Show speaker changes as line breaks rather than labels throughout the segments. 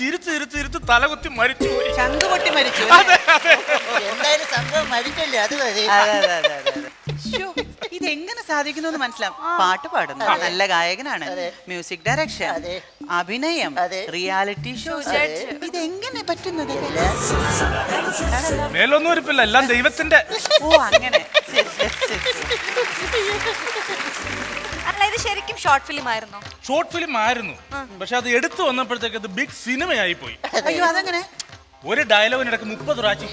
ഇരുത്ത് തലകുത്തി മരിച്ചു പോയി.
ചങ്കുപൊട്ടി മരിച്ചു.
എന്തായാലും സംഭവം മരിച്ചല്ലേ, അത് മതി.
ഇതെങ്ങനെ സാധിക്കുന്നു മനസ്സിലാവും. പാട്ട് പാടുന്നു, നല്ല ഗായകനാണ്, മ്യൂസിക് ഡയറക്ഷൻ, അഭിനയം, റിയാലിറ്റി ഷോ, ഇതെങ്ങനെ പറ്റുന്നത്?
മേലൊന്നും ഇരിപ്പില്ല, എല്ലാം ദൈവത്തിന്റെ.
ഓ അങ്ങനെ.
അല്ല, ഇത് ശരിക്കും ഷോർട്ട് ഫിലിം ആയിരുന്നോ?
ഷോർട്ട് ഫിലിം ആയിരുന്നു, പക്ഷെ അത് എടുത്തു വന്നപ്പോഴത്തേക്ക് അത് ബിഗ് സിനിമയായി പോയി.
അയ്യോ, അതെങ്ങനെ?
ഒരു ഡയലോഗിനിടക്ക് 30 പ്രാവശ്യം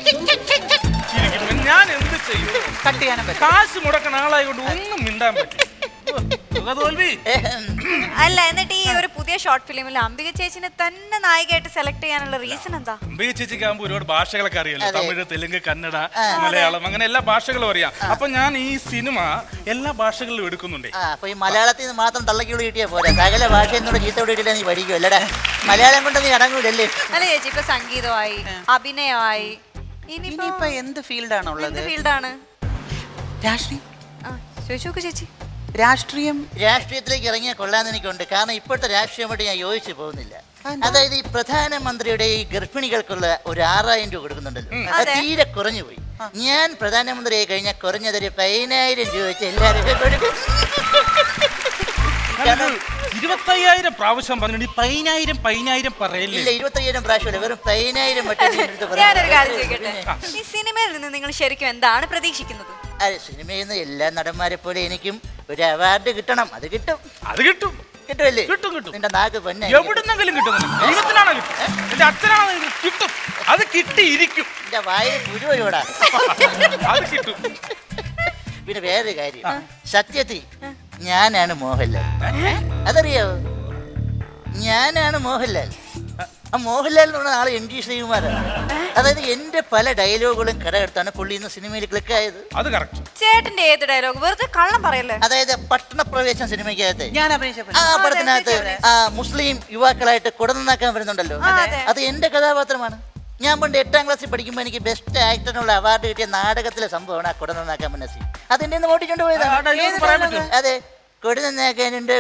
ഞാൻ എന്ത് ചെയ്യും?
കട്ട് ചെയ്യാനും പറ്റും.
കാശ് മുടക്കണ ആളായതുകൊണ്ട് ഒന്നും മിണ്ടാൻ പറ്റും. തോൽവി.
അല്ല, എന്നിട്ട് ഈ ഒരു പുതിയ ഷോർട്ട് ഫിലിമിൽ അംബിക ചേച്ചിനെ തന്നെ നായികയായിട്ട് സെലക്ട് ചെയ്യാനുള്ള റീസൺ എന്താ?
അംബിക ചേച്ചിക്ക് ആകുമ്പോൾ ഒരുപാട് ഭാഷകളൊക്കെ അറിയാലോ, തമിഴ്, തെലുങ്ക്, കന്നഡ, മലയാളം, അങ്ങനെ എല്ലാ ഭാഷകളും അറിയാം. അപ്പൊ ഞാൻ ഈ സിനിമ എല്ലാ ഭാഷകളിലും എടുക്കുന്നുണ്ട്.
അപ്പൊ ഈ മലയാളത്തിൽ നിന്ന് മാത്രം തള്ളക്കിയോട് കിട്ടിയാ പോരാ, സകല ഭാഷയെന്നോട് ചീത്തോട് കിട്ടില്ല, നീ പഠിക്കും അല്ലടാ. മലയാളം കൊണ്ട് നീ അടങ്ങൂലല്ലേ?
അല്ല ചേച്ചി, ഇപ്പൊ സംഗീതമായി, അഭിനയമായി,
ഇനിയിപ്പോ എന്ത് ഫീൽഡാണ് ഉള്ളത്?
ഫീൽഡാണ്
രാഷ്ട്രീയം.
ചോദിച്ചോക്ക് ചേച്ചി.
രാഷ്ട്രീയത്തിലേക്ക് ഇറങ്ങിയാൽ കൊള്ളാന്ന് എനിക്കുണ്ട്. കാരണം ഇപ്പോഴത്തെ രാഷ്ട്രീയമായിട്ട് ഞാൻ യോജിച്ചു പോകുന്നില്ല. അതായത് ഈ പ്രധാനമന്ത്രിയുടെ ഈ ഗർഭിണികൾക്കുള്ള ഒരു 6000 രൂപ കൊടുക്കുന്നുണ്ടല്ലോ, അത് തീരെ കുറഞ്ഞു പോയി. ഞാൻ പ്രധാനമന്ത്രിയായി കഴിഞ്ഞാൽ കുറഞ്ഞതൊരു 10000 രൂപ വെച്ച് എല്ലാവരും കൊടുക്കും.
25,000 പ്രാവശ്യം പറഞ്ഞു. 10,000 പറയില്ല.
25,000 പ്രാവശ്യമല്ല, വെറും 10,000
ഞാനൊരു കാര്യം ചോദിക്കട്ടെ, ഈ സിനിമയിൽ നിന്ന് നിങ്ങൾ ശരിക്കും എന്താണ് പ്രതീക്ഷിക്കുന്നത്?
സിനിമയിൽ നിന്ന് എല്ലാ നടന്മാരെ പോലെ എനിക്കും ഒരു അവാർഡ് കിട്ടണം. അത് കിട്ടും. കിട്ടുമല്ലേ?
കിട്ടും.
നിന്റെ നാക്ക് പൊന്നെ
എവിടുന്നെങ്കിലും കിട്ടും. ദൈവത്തിനാണോ കിട്ടും, എന്റെ അച്ഛനാണോ കിട്ടും. അത് കിട്ടിയിരിക്കും.
എന്റെ വായിൽ പുരുവയോടാ.
അത് കിട്ടും.
പിന്നെ വേറൊരു കാര്യം, സത്യത്തിൽ ഞാനാണ് മോഹൻലാൽ. അതറിയാവോ? ഞാനാണ് മോഹൻലാൽ. ആ മോഹൻലാൽ എന്ന് പറഞ്ഞ ആള് MG ശ്രീകുമാറാണ്. അതായത് എന്റെ പല ഡയലോഗുകളും കടമെടുത്താണ് പുള്ളി ഇന്ന് സിനിമയിൽ ക്ലിക്ക് ആയത്.
അത് കറക്റ്റ്.
ചേട്ടന്റെ ഏത് ഡയലോഗ്? വെറുതെ കള്ളം പറയല്ലേ.
അതായത് പട്ടണപ്രവേശം സിനിമയ്ക്കകത്ത്
ഞാൻ അഭിനയിച്ച
ആ പടത്തിനകത്ത് മുസ്ലിം യുവാക്കളായിട്ട് കുടനന്നാക്കാൻ വരുന്നുണ്ടല്ലോ, അത് എന്റെ കഥാപാത്രമാണ്. ഞാൻ പണ്ട് 8ാം ക്ലാസ്സിൽ പഠിക്കുമ്പോൾ എനിക്ക് ബെസ്റ്റ് ആക്ടറിനുള്ള അവാർഡ് കിട്ടിയ നാടകത്തിലെ സംഭവമാണ് ആ കുടനന്നാക്കാൻ വന്ന സീൻ. അതെന്റെ നിന്ന് ഓടിക്കൊണ്ട് പോയതാണ്. അതെ, കൊടി നന്നാക്കാനുണ്ട്,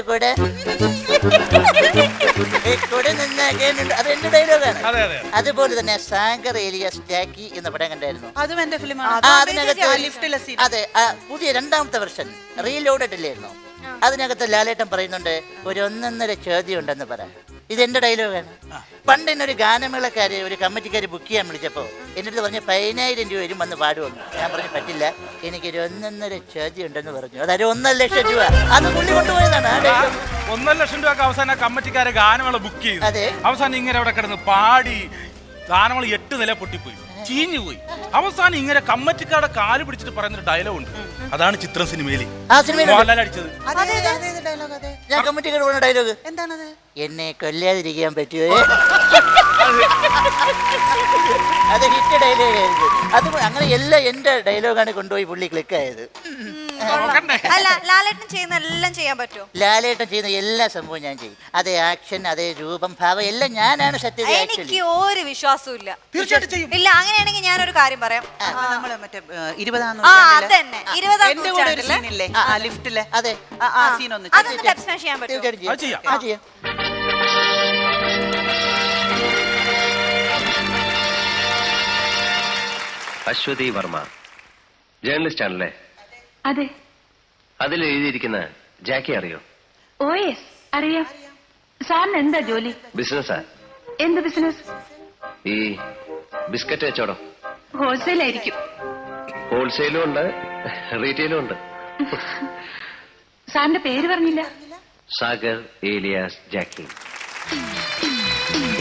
കൊടി നന്നാക്കാനുണ്ട്, അത് എന്റെ ഡയലോഗാണ്. അതുപോലെ തന്നെ സാഗർ ഏലിയാസ് ജാക്കി എന്ന പടം കണ്ടായിരുന്നു.
അതും എന്റെ ഫിലിമാണ്.
അതെ, പുതിയ 2ാമത്തെ വെർഷൻ റീലോഡഡ് ഇല്ലായിരുന്നു. അതിനകത്ത് ലാലേട്ടൻ പറയുന്നുണ്ട്, ഒരു 1.5 ചോദ്യം ഉണ്ടെന്ന് പറയാം. ഇതെന്റെ ഡയലോഗാണ്. പണ്ട് എന്നൊരു ഗാനമേളക്കാര് ഒരു കമ്മിറ്റിക്കാര് ബുക്ക് ചെയ്യാൻ വിളിച്ചപ്പോൾ എൻ്റെ അടുത്ത് പറഞ്ഞ് 10,000 രൂപ വരും വന്ന് പാടുവന്നു. ഞാൻ പറഞ്ഞു പറ്റില്ല, എനിക്കൊരു 1.5 ചോദ്യം ഉണ്ടെന്ന് പറഞ്ഞു. അതൊരു 1,00,000 രൂപ. അത് പുള്ളി കൊണ്ടുപോയതാണ്.
1,00,000 രൂപ അവസാനം കമ്മിറ്റിക്കാരെ ഗാനമേള ബുക്ക് ചെയ്തു. അവസാനം ഇങ്ങനെ അവിടെ കിടന്ന് പാടി ഗാനമേള 8 നില പൊട്ടിപ്പോയി, ചീഞ്ഞു പോയി. അവസാനം ഇങ്ങനെ കമ്മറ്റിക്കാരുടെ കാല് പിടിച്ചിട്ട് പറയുന്നൊരു ഡയലോഗ് ഉണ്ട്. അതാണ് ചിത്രം സിനിമയിൽ മോഹൻലാൽ അടിച്ചത്.
ഞാൻ കമ്മിറ്റിക്കാർ പറഞ്ഞ ഡയലോഗ്
എന്താണത്?
എന്നെ കൊല്ലാതിരിക്കാൻ പറ്റുമോ? അത് ഹിറ്റ് ഡയലോഗായിരുന്നു. അത് അങ്ങനെ എല്ലാം എന്റെ ഡയലോഗാണ് കൊണ്ടുപോയി പുള്ളി ക്ലിക്ക് ആയത്.
അല്ല, ലാലേട്ടൻ ചെയ്യുന്ന എല്ലാം ചെയ്യാൻ പറ്റുമോ?
ലാലേട്ടൻ ചെയ്യുന്ന എല്ലാ സംഭവവും ഞാൻ ചെയ്യും. അതേ ആക്ഷൻ, അതേ രൂപം, ഭാവം എല്ലാം ഞാനാണ് സത്യത്തിൽ.
എനിക്ക് ഒരു വിശ്വാസവും ഇല്ല.
തീർച്ചയായിട്ടും ചെയ്യും.
ഇല്ല, അങ്ങനെയാണെങ്കിൽ ഞാനൊരു കാര്യം പറയാം.
നമ്മള് മറ്റേ 20ാം
നൂറ്റാണ്ടിലെ 20ാം
നൂറ്റാണ്ടിലെ ലിഫ്റ്റിലെ
അതെ
ആ സീൻ ഒന്ന്
അതൊന്ന് ഡബ് സ്മാഷ് ചെയ്യാൻ പറ്റുമോ?
ചെയ്യാം.
അശ്വതി വർമ്മ, ജേർണലിസ്റ്റ് ആണല്ലേ?
അതെ.
അതിൽ എഴുതിയിരിക്കുന്ന ജാക്കി അറിയോ?
ഓ യെസ്, അറിയാം. സാറിന് എന്താ ജോലി?
ബിസിനസ്സാ.
എന്ത് ബിസിനസ്?
ഈ ബിസ്ക്കറ്റ് കച്ചവടം.
ഹോൾസെയിൽ ആയിരിക്കും.
ഹോൾസെയിലും ഉണ്ട്, റീറ്റെയിലും ഉണ്ട്.
സാറിന്റെ പേര് പറഞ്ഞില്ല.
സാഗർ ഏലിയാസ് ജാക്കി.